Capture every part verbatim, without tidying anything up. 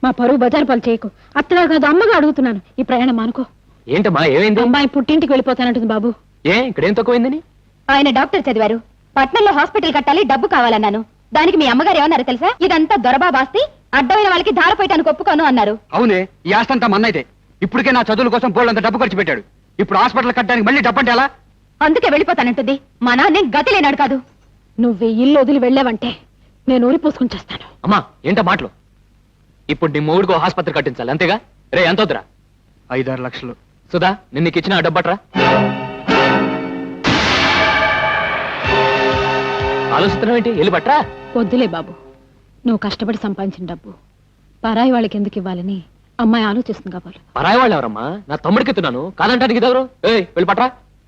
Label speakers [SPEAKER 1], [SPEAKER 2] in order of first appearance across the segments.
[SPEAKER 1] మా పరువు బజారు పాలు చేయకు. అత్తగా కాదు అమ్మగా అడుగుతున్నాను, ఈ ప్రయాణం అనుకో.
[SPEAKER 2] ఏంటమ్మా ఏమైంది?
[SPEAKER 1] అమ్మాయి పుట్టింటికి వెళ్ళిపోతానంటుంది బాబు.
[SPEAKER 2] ఏ ఇక్కడేం తక్కువైందని?
[SPEAKER 3] ఆయన డాక్టర్ చదివారు, పట్నంలో హాస్పిటల్ కట్టాలి, డబ్బు కావాలన్నాను. దానికి మీ అమ్మగారు ఏమన్నారు తెలుసా? ఇదంతా దొరబాబాస్తి, అడ్డమైన వాళ్ళకి ధారపోయటానికి ఒప్పుకోను అన్నారు.
[SPEAKER 4] అవునే, ఈ ఆస్తంతా మన్నైతే. ఇప్పటికే నా చదువుల కోసం బోళ్ళంత డబ్బు ఖర్చు పెట్టాడు. ఇప్పుడు హాస్పిటల్ కట్టడానికి మళ్ళీ డబ్బు అంటే ఎలా?
[SPEAKER 3] అందుకే వెళ్ళిపోతానంటుంది. మా నాన్నే గతి లేనాడు కాదు.
[SPEAKER 1] నువ్వు ఇల్లు వదిలి వెళ్ళావంటే నేను ఊరి పోసుకుని చేస్తాను.
[SPEAKER 2] అమ్మా ఏంటో మాటలు? ఇప్పుడు నీ మూడుకో ఆసుపత్రి కట్టించాలి అంతేగా? రే ఎంత వద్దురా?
[SPEAKER 4] ఐదారు లక్షలు.
[SPEAKER 2] సుధా నిన్న నీకు ఇచ్చిన డబ్బట్రా. ఆలోచిస్తున్నావు ఏంటి? వెళ్ళి పట్రా.
[SPEAKER 1] వద్దులే బాబు, నువ్వు కష్టపడి సంపాదించిన డబ్బు పరాయి వాళ్ళకి ఎందుకు ఇవ్వాలని అమ్మాయి ఆలోచిస్తుంది కావాలి.
[SPEAKER 2] పరాయి వాళ్ళు ఎవరమ్మా? నా తమ్ముడికి ఎత్తున్నాను, కాదంటానికి ఇదెవరు? ఏ వెళ్ళి పట్రా.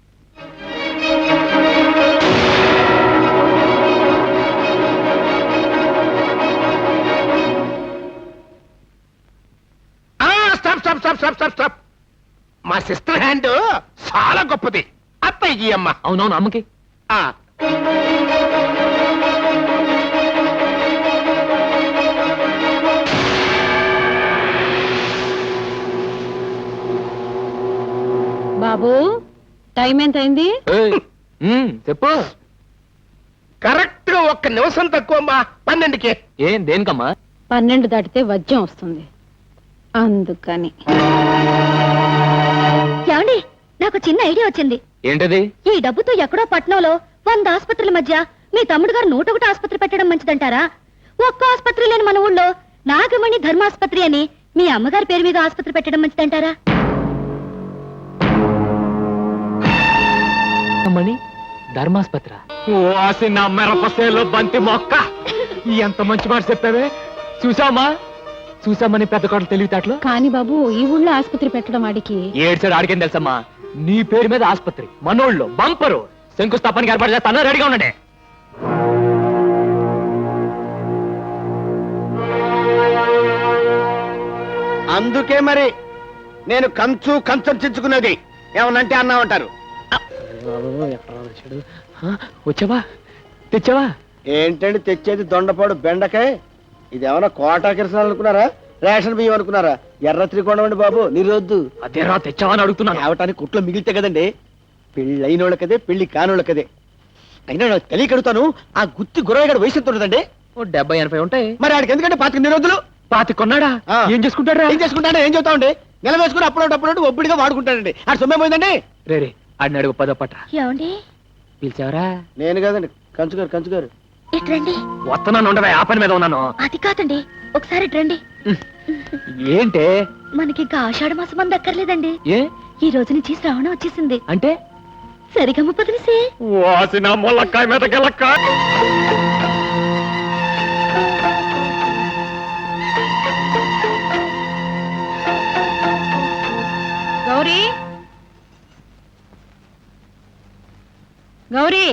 [SPEAKER 5] Stop stop stop stop stop stop మా సిస్టర్ హ్యాండ్ చాలా గొప్పది. అత్తయ్య అమ్మ.
[SPEAKER 2] అవునవును అమ్మకి.
[SPEAKER 5] ఆ.
[SPEAKER 1] బాబు టైం ఎంత అయింది?
[SPEAKER 2] ఏయ్, ఉమ్, చెప్పు.
[SPEAKER 5] కరెక్ట్ గా ఒక్క నిమిషం తక్కువ అమ్మా. పన్నెండుకి.
[SPEAKER 2] ఏం దేనికమ్మా?
[SPEAKER 1] పన్నెండు దాటితే వజ్యం వస్తుంది, అందుకని.
[SPEAKER 3] ఏమండి, నాకు చిన్న ఐడియా వచ్చింది.
[SPEAKER 2] ఏంటది?
[SPEAKER 3] ఈ డబ్బుతో ఎక్కడో పట్నంలో వంద ఆసుపత్రుల మధ్య మీ తమ్ముడు గారు నూట ఒకటి ఆసుపత్రి పెట్టడం మంచిదంటారా? ఒక్క ఆసుపత్రి లేని మన ఊళ్ళో నాగమణి ధర్మాసుపత్రి అని మీ అమ్మగారి పేరు మీద ఆసుపత్రి పెట్టడం మంచిదంటారా?
[SPEAKER 2] మణి ధర్మాస్పత్ర. ఓసి నా మిరపసేలో బంతి మొక్క. ఎంత మంచి మాట చెప్పావే. చూసామా చూసామని పెద్ద కోటలు తెలివితేటలు.
[SPEAKER 1] కానీ బాబు, ఈ ఊళ్ళో ఆసుపత్రి పెట్టడం వాడికి
[SPEAKER 2] ఏడ్చాడు. ఆడికేం తెలుసమ్మా? నీ పేరు మీద ఆసుపత్రి మనోళ్ళు బంపరు శంకుస్థాపనకి ఏర్పాటు చేస్తాను. రెడీగా ఉండండి.
[SPEAKER 5] అందుకే మరి నేను కంచు కంచం చించుకున్నది. ఏమనంటే అన్నా ఉంటారు.
[SPEAKER 2] వచ్చావా? తెచ్చావా?
[SPEAKER 5] ఏంటండి తెచ్చేది? దొండపాడు బెండకాయ. ఇది ఏమన్నా కోటా కిరసనాలు అనుకున్నారా? రేషన్ బియ్యం అనుకున్నారా? ఎర్ర త్రికోణం అండి బాబు, నిరోద్దు.
[SPEAKER 2] అదేరా తెచ్చావా అని అడుగుతున్నాను.
[SPEAKER 5] తేవటానికి కుట్లో మిగిలితే కదండి. పెళ్లి అయినోళ్ళకదే, పెళ్లి కానోళ్ళకదే. అయినా నాకు తెలియకడుతాను, ఆ గుత్తి గురవగాడు వయసు ఎంత ఉంటుందండి?
[SPEAKER 2] ఓ డెబ్బై ఎనభై ఉంటాయి.
[SPEAKER 5] మరి ఆడికి ఎందుకంటే పాతిక నిరోధులు.
[SPEAKER 2] పాతి కొన్నాడా?
[SPEAKER 5] ఆ.
[SPEAKER 2] ఏం చేసుకుంటాడా?
[SPEAKER 5] ఏం చేసుకుంటాడో ఏం చెబుతామండి? నెల వేసుకుని అప్పుడు అప్పుడు ఒబ్బడిగా వాడుకుంటాడండి. ఆడు సొమ్మే పోయిందండి.
[SPEAKER 2] రే రే ఆడిని అడుగు పదో పట్ట.
[SPEAKER 3] ఏమండి,
[SPEAKER 2] పిలిచావరా?
[SPEAKER 5] నేను కదండి, కంచుగారు కంచుగారు.
[SPEAKER 3] ఇట్రండి.
[SPEAKER 2] వస్తున్నాను, ఉండవే. ఆ పని మీద ఉన్నాను.
[SPEAKER 3] అది కాదండి, ఒకసారి ఇట్రండి.
[SPEAKER 2] ఏంటే?
[SPEAKER 3] మనకి ఇంకా ఆషాఢ మాసం అంత అక్కర్లేదండి.
[SPEAKER 2] ఏ
[SPEAKER 3] ఈ రోజు నుంచి శ్రావణం వచ్చేసింది.
[SPEAKER 2] అంటే?
[SPEAKER 3] సరిగమ్మ పదిలిసే.
[SPEAKER 2] వాసిన మొలక్కాయ మీద గెలక్కాయ.
[SPEAKER 1] గౌరీ, గౌరీ,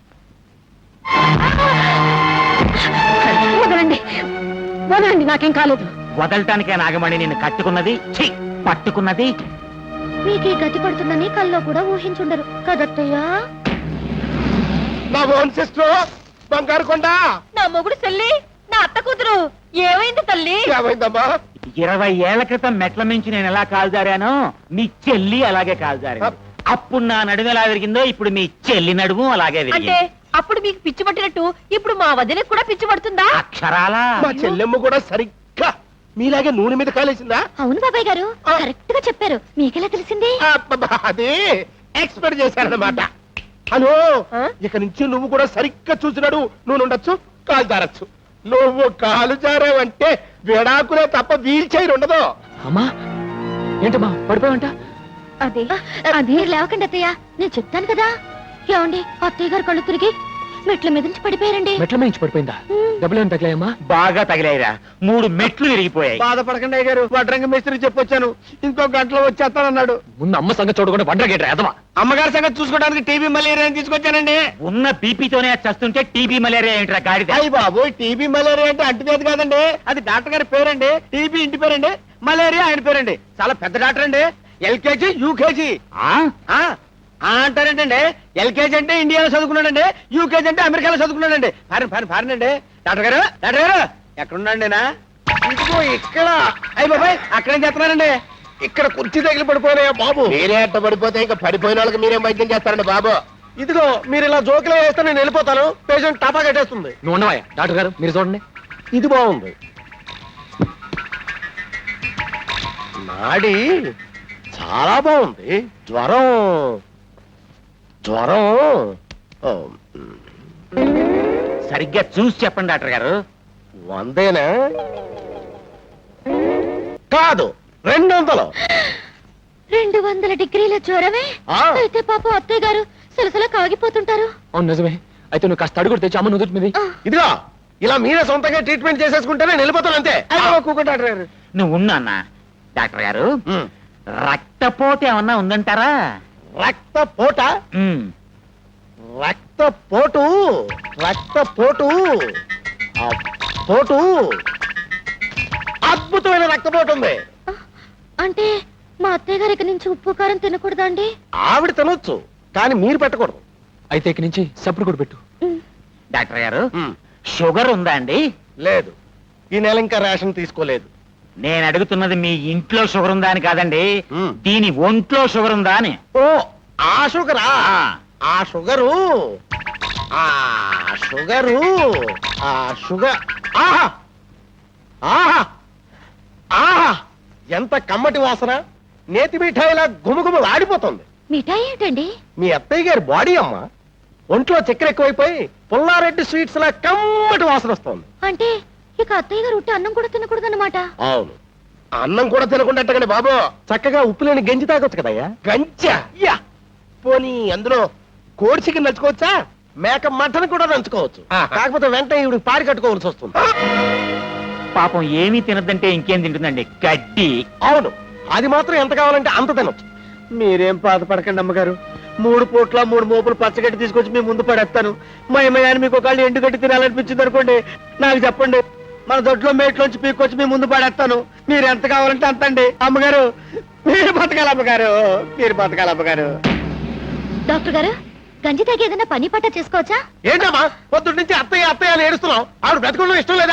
[SPEAKER 1] వదలండి వదలండి, నాకేం కాలేదు.
[SPEAKER 6] వదలటానికే నాగమణి నిన్ను కట్టుకున్నది, ఛీ, పట్టుకున్నది.
[SPEAKER 3] మీకే గతి పడుతుందని కల్లో కూడా ఊహించుండరు కదత్తయ్యా.
[SPEAKER 5] నా ఓన్ సిస్టర్ బంగారు కొండ.
[SPEAKER 3] నా మొగుడు చెల్లి, నా అత్త కూతురు. ఏమైంది తల్లి?
[SPEAKER 5] ఏమైందమ్మా?
[SPEAKER 6] ఇరవై ఏళ్ల క్రితం మెట్ల మించి నేను ఎలా కాల్జారానో మీ చెల్లి అలాగే కాల్జారింది. అప్పుడు నా నడుము ఎలా విరిగిందో ఇప్పుడు మీ చెల్లి నడుము అలాగే
[SPEAKER 3] అంటే
[SPEAKER 6] విరిగింది.
[SPEAKER 3] అప్పుడు మీకు పిచ్చి పట్టినట్టు ఇప్పుడు మా వదినకు కూడా పిచ్చి పడుతుందా?
[SPEAKER 6] అక్షరాలా.
[SPEAKER 5] మా చెల్లెమ్మ కూడా సరిగ్గా మీలాగే నూనె మీద కాలేసిందా?
[SPEAKER 3] అవును బాబాయ్ గారు, కరెక్ట్ గా చెప్పారు. మీకెలా తెలిసింది?
[SPEAKER 5] అబ్బబ్బా, అది ఎక్స్పెక్ట్ చేశారన్నమాట. హలో, ఇక నుంచి నువ్వు కూడా సరిగ్గా చూసినాడు. నువ్వు ఉండొచ్చు, కాలు జారచ్చు. నువ్వు కాలు జారావంటే విడాకులే తప్ప వీల్ చైర్ ఉండదు.
[SPEAKER 2] అమ్మా ఏంటమ్మా పడిపోయావంట?
[SPEAKER 3] అదే అదే లేవకండి అత్తయ్య, నేను చెప్తాను కదా. ఏమండి, అత్తయ్య గారు కళ్ళు తిరిగి మెట్ల మీద నుంచి పడిపోయారండి.
[SPEAKER 2] మెట్ల మించి పడిపోయిందా? డబ్బులు ఏమైనా తగిలాయమ్మా?
[SPEAKER 6] బాగా తగిలాయిరా, మూడు మెట్లు విరిగిపోయాయి.
[SPEAKER 5] బాధపడకండి అయ్య గారు, వడ్రంగ మేస్త్రికి చెప్పొచ్చాను, ఇంకో గంటలో వచ్చేస్తానన్నాడు.
[SPEAKER 2] ముందు అమ్మ సంగతి చూడకుండా వండరగేట్రా ఎదవా.
[SPEAKER 5] అమ్మగారి సంగతి చూసుకోవడానికి టీబీ మలేరియా తీసుకొచ్చానండి.
[SPEAKER 6] ఉన్న బీపీతోనే చస్తుంటే టీబీ మలేరియా ఏంట్రా గాడిద?
[SPEAKER 5] అయ్యి బాబు, టీబీ మలేరియా అంటే అంటువ్యాధి కాదండి, అది డాక్టర్ గారి పేరండి. టీబీ ఇంటి పేరండి, మలేరియా ఆయన పేరండి. చాలా పెద్ద డాక్టర్ అండి. LKG UKG అంటారేంటండి. ఎల్కేజీ అంటే ఇండియాలో చదువుకున్నాడండి, యూకేజీ అంటే అమెరికాలో చదువుకున్నాడండి. ఫారిన్ ఫారిన్ ఫారిన్ అండి. డాక్టర్ గారు డాక్టర్ గారు ఎక్కడున్నాండినా? ఇదిగో ఇక్కడ అయ్యి బాబాయ్ అక్కడేం చేస్తున్నారండి ఇక్కడ కుర్చీ తగిలి పడిపోయినాయా బాబు మీరే అట్ట పడిపోతే ఇంకా పడిపోయిన వాళ్ళకి మీరేం వైద్యం చేస్తారండి బాబు ఇదిగో మీరు ఇలా జోకులు వేస్తే నేను వెళ్ళిపోతాను పేషెంట్ టపా కట్టేస్తుంది
[SPEAKER 2] నువ్వు ఉండవా డాక్టర్ గారు మీరు చూడండి.
[SPEAKER 5] ఇది బాగుంది నాడి చాలా బాగుంది జ్వరం జ్వరం ఓ,
[SPEAKER 6] సరిగ్గా చూసి చెప్పండి డాక్టర్ గారు.
[SPEAKER 5] వందేనా కాదు రెండు వందలు
[SPEAKER 3] రెండు వందల డిగ్రీల జ్వరమే
[SPEAKER 5] ఆ.
[SPEAKER 3] అయితే పాపం అత్తయ్య గారు సలసల కాగిపోతుంటారు.
[SPEAKER 2] అవును నిజమే. అయితే నువ్వు కాస్త అడుగుడు తెచ్చి అమ్మ నుదుటి మీది.
[SPEAKER 5] ఇదిగో ఇలా మీరే సొంతంగా ట్రీట్మెంట్ చేసేసుకుంటే నేను వెళ్ళిపోతాను అంతే కూకుంటాడు
[SPEAKER 6] నువ్వు ఉన్నా అన్న డాక్టర్ గారు. రక్తపోటు ఏమన్నా ఉందంటారా?
[SPEAKER 5] రక్త పోట
[SPEAKER 6] ఉమ్.
[SPEAKER 5] రక్త పోటు రక్త పోటు ఆ పోటు అద్భుతమైన రక్తపోటు ఉంది
[SPEAKER 3] అంటే మా అత్తయ్య గారి నుంచి ఉప్పు కారం తినకూడదా అండి?
[SPEAKER 5] ఆవిడ తినొచ్చు కానీ మీరు పెట్టకూడదు
[SPEAKER 2] అయితే ఇక్కడి నుంచి సప్పుడు కూడా పెట్టు.
[SPEAKER 6] డాక్టర్ గారు షుగర్ ఉందా అండి?
[SPEAKER 5] లేదు ఈ నెల ఇంకా రేషన్ తీసుకోలేదు
[SPEAKER 6] నేను అడుగుతున్నది మీ ఇంట్లో షుగర్ ఉందా అని కాదండి,
[SPEAKER 5] ఉమ్.
[SPEAKER 6] దీని ఒంట్లో షుగర్ ఉందా అని.
[SPEAKER 5] ఓ ఆ షుగరా ఆ షుగరు ఆ షుగరు ఆ షుగర్ ఆహా ఆహా ఆహా ఎంత కమ్మటి వాసన నేతి మిఠాయిలా గుమగుమ ఆడిపోతుంది
[SPEAKER 3] మిఠాయి ఏంటండి?
[SPEAKER 5] మీ అత్తయ్య గారి బాడీ అమ్మ ఒంట్లో చక్కెర ఎక్కువైపోయి పుల్లారెడ్డి స్వీట్స్ లా కమ్మటి వాసన వస్తుంది
[SPEAKER 3] అంటే ఇక అత్తయ్య గారు ఉట్టి అన్నం కూడా తినకూడదన్నమాట.
[SPEAKER 5] అవును అన్నం కూడా తినకుండా బాబు చక్కగా ఉప్పు లేని గంజి తాగొచ్చు కదయ్యా గంజా యా పోనీ అందులో కోడి చికెన్ నంచుకోవచ్చా మేక మటన్ కూడా నంచుకోవచ్చు కాకపోతే వెంటనే ఇవి పారి కట్టుకోవాల్సి వస్తుంది
[SPEAKER 6] పాపం ఏమీ తినద్దంటే ఇంకేం తింటుందండి, గడ్డి.
[SPEAKER 5] అవును అది మాత్రం ఎంత కావాలంటే అంత తినొచ్చు మీరేం బాధపడకండి అమ్మగారు మూడు పూట్ల మూడు మోపులు పచ్చగడ్డి తీసుకొచ్చి మీ ముందు పడేస్తాను మా ఏమయ్యాని మీకు ఒకళ్ళు ఎండుగడ్డి తినాలనిపించింది అనుకోండి నాకు చెప్పండి మన దొడ్లో మేట్లోంచి పీక్కొచ్చి మీ ముందు పడేస్తాను మీరు ఎంత కావాలంటే అంత అండి అమ్మగారు మీరు బతకాలి అమ్మగారు మీరు బతకాలి అమ్మగారు
[SPEAKER 3] డాక్టర్ గారు గంజి తాగి ఏదైనా పని పట్ట చేసుకోవచ్చా?
[SPEAKER 5] ఏంటమ్మా పొద్దున్న నుంచి అత్తయ్య అత్తయ్య అని ఏడుస్తున్నావు ఆవిడ బ్రతకడం ఇష్టం లేదా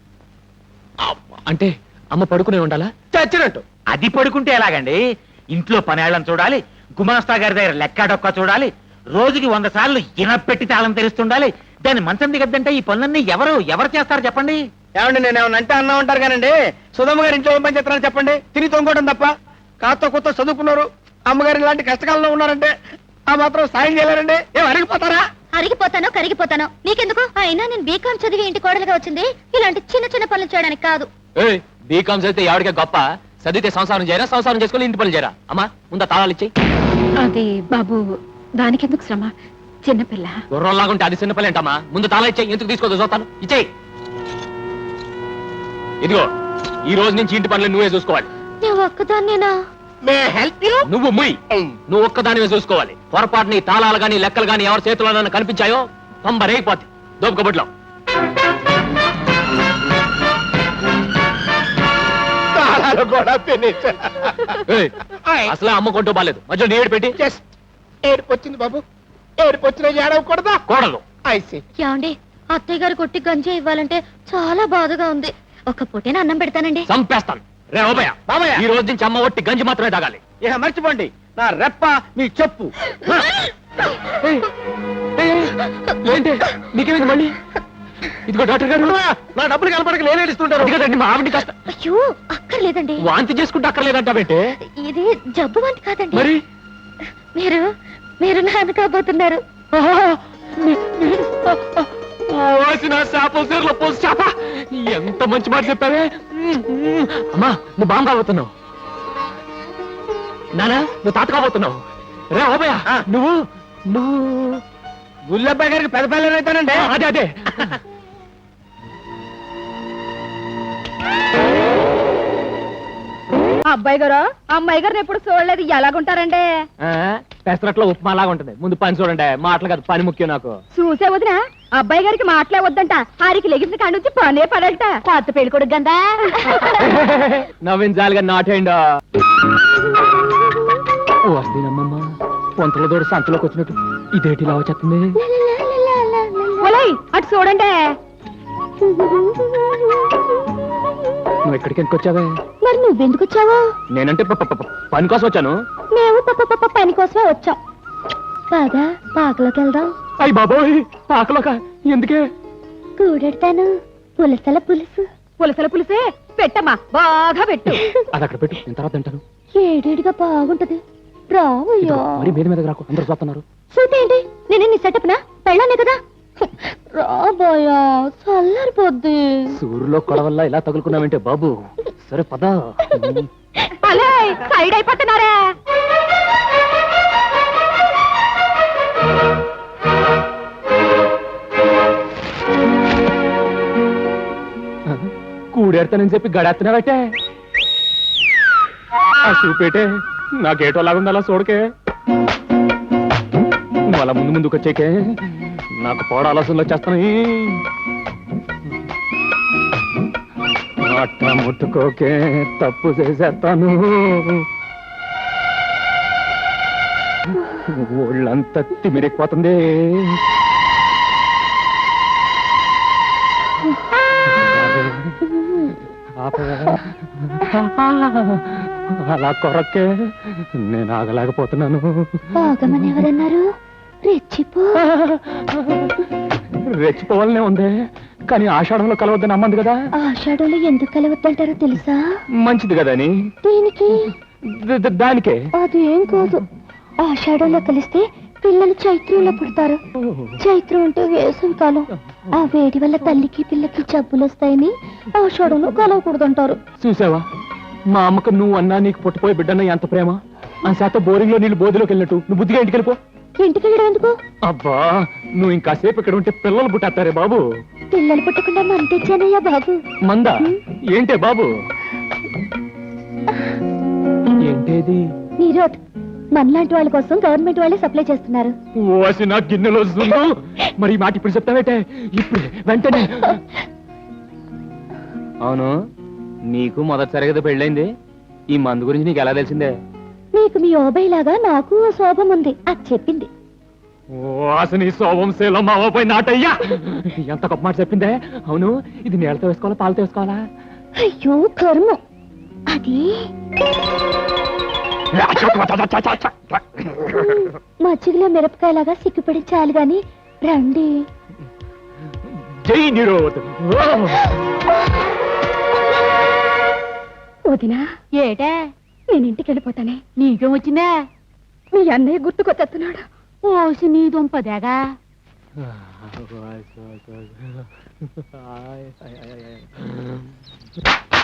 [SPEAKER 5] అబ్బా,
[SPEAKER 2] అంటే అమ్మ పడుకునే ఉండాలా?
[SPEAKER 5] చచ్చినట్టు
[SPEAKER 6] అది పడుకుంటే ఎలాగండి? ఇంట్లో పనేళ్ళని చూడాలి, గుమాస్తా గారి దగ్గర లెక్క డొక్క చూడాలి, రోజుకి వంద సార్లు ఇనపెట్టి తాళం తెరుస్తుండాలి. దాన్ని మంచం దిగద్దంటే ఈ పనులన్నీ ఎవరు ఎవరు చేస్తారు చెప్పండి?
[SPEAKER 5] ఏమండి నేను ఏమన్నా అంటే అన్నా ఉంటారు కానండి సుధమ్మ గారు ఇంట్లో ఏం పని చేస్తారని చెప్పండి తిని తొంగోవడం తప్ప కాస్త కొత్త చదువుకున్నారు అమ్మగారు ఇలాంటి కష్టకాలంలో ఉన్నారంటే ఆ మాత్రం సాయం చేయలేరండి ఏం అరిగిపోతారా?
[SPEAKER 3] అరిగిపోతానో కరిగిపోతానో నీకెందుకు? అయినా నేను బీకాం చదివి ఇంటి కోడలుగా వచ్చింది ఇలాంటి చిన్న చిన్న పనులు చేయడానికి కాదు.
[SPEAKER 2] ఏయ్ బీకామ్ చదివితే ఎవరికే గొప్ప, చదివితే సంసారం చేయరా, సంసారం చేసుకుని ఇంటి పనులు చేయరా? అమ్మా ముందా తాళాలు ఇచ్చేయి.
[SPEAKER 1] అది బాబు దానికెందుకు శ్రమ, చిన్నపిల్ల.
[SPEAKER 2] గుర్రంలాగుంటే అది చిన్న పని ఏంటమ్మా? ముందు తాళా ఇచ్చేయి, ఎందుకు తీసుకోదు చూస్తాను. ఇచ్చేయి. ఇదిగో ఈ రోజు నుంచి ఇంటి పనులు నువ్వే చూసుకోవాలి.
[SPEAKER 3] నేను ఒక్కదాన్నేనా?
[SPEAKER 5] మే హెల్ప్ యూ
[SPEAKER 2] నువ్వు ముయ్ నువ్వు ఒక్కదానివే చూసుకోవాలి. పొరపాటు నీ తాళాలు గాని లెక్కలు గాని ఎవరి చేతిలో కనిపించాయో పంబరేగిపోతే దోపకబుట్లో.
[SPEAKER 5] తాళాలు కూడా ఫినిష్
[SPEAKER 2] ఏయ్, అసలే అమ్మ కొంటూ బాలేదు, మధ్యలో నీడు పెట్టి
[SPEAKER 5] జస్ట్ ఏడుపు వచ్చింది బాబు ఏడుపు వచ్చిన ఏడవకూడదా
[SPEAKER 2] కోడలు.
[SPEAKER 5] ఐసి
[SPEAKER 3] ఏమండి అత్తయ్య గారు కొట్టి గంజి ఇవ్వాలంటే చాలా బాధగా ఉంది. ఒక పూటేనా అన్నం పెడతానండి.
[SPEAKER 2] చంపేస్తాను. రే ఓబయ్య,
[SPEAKER 5] బాబయ్య.
[SPEAKER 2] ఈ రోజు నుంచి అమ్మ ఒట్టి గంజి మాత్రమే తాగాలి.
[SPEAKER 5] ఇక మర్చిపోండి నా రెప్ప మీ చెప్పు
[SPEAKER 2] ఏయ్, ఏయ్, ఏంటి నీకేమైంది మళ్ళీ? ఇదిగో డాక్టర్ గారు,
[SPEAKER 5] నా డబ్బులు కనపడక నేను ఏడుస్తుంటాను
[SPEAKER 2] అది కదండి మా ఆవిడ కష్టం.
[SPEAKER 3] అయ్యో అక్కర్లేదండి,
[SPEAKER 2] వాంతి చేసుకుంటే అక్కర్లేదంటావేంటే?
[SPEAKER 3] ఇది జబ్బు వంటి కాదండి.
[SPEAKER 2] మరి
[SPEAKER 3] మీరు మీరు నాన్న కాబోతున్నారు.
[SPEAKER 2] ఓసిన చేపల సీరలో పోసి చేప, ఎంత మంచి మాట చెప్పావే. అమ్మా నువ్వు బాగా కాబోతున్నావు, నానా నువ్వు తాత కాబోతున్నావు. రే ఓబయ్య, నువ్వు నువ్వు
[SPEAKER 5] గుల్లబ్బాయి గారికి పెద్ద పిల్లలు అవుతానండి
[SPEAKER 2] అదే అదే
[SPEAKER 1] అబ్బాయి గారు అమ్మాయి గారిని ఎప్పుడు చూడలేదు, ఎలాగుంటారండి?
[SPEAKER 2] పెసరట్లో ఉప్మా లాగా ఉంటుంది. ముందు పని చూడండి, మాటలు కాదు పని ముఖ్యం నాకు.
[SPEAKER 1] చూసే వదిన అబ్బాయి గారికి మాటలే వద్దంట, ఆరికి లెగిసిన కాడి నుంచి పనే పడట. కొత్త పెళ్లి కొడుకు గందా
[SPEAKER 2] నవ్వించాలిగా నాటేయండి. వస్తేనమ్మమ్మ పొంతల దూడ సంతలోకి వచ్చినట్టు ఇదేటి ఇలా వచ్చేస్తుంది.
[SPEAKER 1] ఒలయ్ అటు చూడండి.
[SPEAKER 2] నువ్వు ఎక్కడికి ఎందుకు వచ్చావే?
[SPEAKER 3] మరి నువ్వెందుకు వచ్చావు?
[SPEAKER 2] నేనంటే ప- ప- ప- పని కోసం వచ్చాను.
[SPEAKER 3] మేము పప్ప పప్ప పని కోసమే వచ్చాం. కాదా పాకలోకి వెళ్దాం.
[SPEAKER 2] అయ్యి బాబోయ్, ఆకలోక ఎందుకే?
[SPEAKER 3] కూడెడతాను పులసల పులుసు.
[SPEAKER 1] పులసల పులిసే పెట్టమ్మా, బాగా పెట్టు.
[SPEAKER 2] అది అక్కడ పెట్టు, నేను తర్వాత తింటాను.
[SPEAKER 3] ఏడేడిగా బాగుంటది. రావయ్యా.
[SPEAKER 2] ఇదిగో, మరి మీద మీద రాకు, అందరూ చూస్తున్నారు.
[SPEAKER 3] చూస్తే ఏంటి, నేను నీ సెటప్ నా పెళ్ళానే కదా. రాబోయా చల్లారిపోద్ది.
[SPEAKER 2] సూర్యులో కొడవల్ల ఇలా తగులుకున్నావంటే బాబు. సరే పద.
[SPEAKER 1] అలే సైడ్ అయిపోతున్నారా?
[SPEAKER 2] కూడేడతానని చెప్పి గడేస్తున్నావటే. ఆ చూపేటే నాకేటో లాగుంది, అలా చూడకే. నువ్వు అలా ముందు ముందుకు వచ్చేకే నాకు పోడ ఆలోచనలు వచ్చేస్తున్నాయి. అట్ట ముట్టుకోకే, తప్పు చేసేస్తాను. ఒళ్ళంతా తిమిరెక్కిపోతుంది. అలా కొరక్కే నేను ఆగలేకపోతున్నాను.
[SPEAKER 3] బాగమని ఎవరన్నారు? రెచ్చిపో.
[SPEAKER 2] రెచ్చిపోవాలనే ఉంది, కానీ ఆషాఢంలో కలవద్దని అమ్మంది కదా.
[SPEAKER 3] ఆషాఢంలో ఎందుకు కలవద్దంటారో తెలుసా?
[SPEAKER 2] మంచిది కదా అని.
[SPEAKER 3] దీనికి
[SPEAKER 2] ద- ద- దానికే
[SPEAKER 3] అదేం కాదు. ఆషాఢంలో కలిస్తే పిల్లలు చైత్రంలో పుడతారు. చైత్రం అంటే వేసవి కాలం. ఆ వేడి వల్ల తల్లికి పిల్లకి జబ్బులు వస్తాయని ఆషాఢంలో కలవకూడదంటారు.
[SPEAKER 2] చూసావా, మా అమ్మకు నువ్వు అన్నా నీకు పుట్టపోయే బిడ్డన్న ఎంత ప్రేమ. ఆ శాత బోరింగ్ లో నీళ్ళు బోధిలోకి వెళ్ళినట్టు నువ్వు బుద్ధిగా ఇంటికి వెళ్ళిపో.
[SPEAKER 3] ఇంటికి వెళ్ళడం ఎందుకు?
[SPEAKER 2] అబ్బా, నువ్వు ఇంకాసేపు ఇక్కడ ఉంటే పిల్లలు పుట్టేస్తారే బాబు.
[SPEAKER 3] పిల్లలు పుట్టకుండా మన తెచ్చానయ్యా బాబు.
[SPEAKER 2] మందా ఏంటే బాబు? ఏంటేది?
[SPEAKER 3] నీరోద్ మనలాంటి వాళ్ళ కోసం గవర్నమెంట్ వాళ్ళే సప్లై చేస్తున్నారు.
[SPEAKER 2] ఓసి నా గిన్నెలో వస్తుందో. మరి ఈ మాట ఇప్పుడు చెప్తావేటే? ఇప్పుడే వెంటనే. అవును, నీకు మొదటిసారి కదా పెళ్ళైంది. ఈ మందు గురించి నీకు ఎలా తెలిసిందే?
[SPEAKER 3] మీకు మీ ఓబై లాగా నాకు ఓ శోభం ఉంది, అది చెప్పింది.
[SPEAKER 2] ఓ అసలు శోభం శీలం మావపై నాటయ్యా. ఎంత గొప్ప మాట చెప్పిందే. అవును, ఇది నీళ్ళతో వేసుకోవాలా పాలతో వేసుకోవాలా?
[SPEAKER 3] అయ్యో కర్మ. అది మజ్జిగలో మిరపకాయలాగా సిగ్గుపడి చాలు గాని రండి.
[SPEAKER 2] జై నిరోధ్.
[SPEAKER 1] వదినా
[SPEAKER 3] ఏటా?
[SPEAKER 1] నేను ఇంటికి వెళ్ళిపోతానే.
[SPEAKER 3] నీకేం వచ్చిందా?
[SPEAKER 1] మీ అన్నయ్య గుర్తుకొచ్చేస్తున్నాడు.
[SPEAKER 3] ఓసి నీ దుంపదేగా.
[SPEAKER 2] ఆయ్, ఆయ్, ఆయ్, ఆయ్.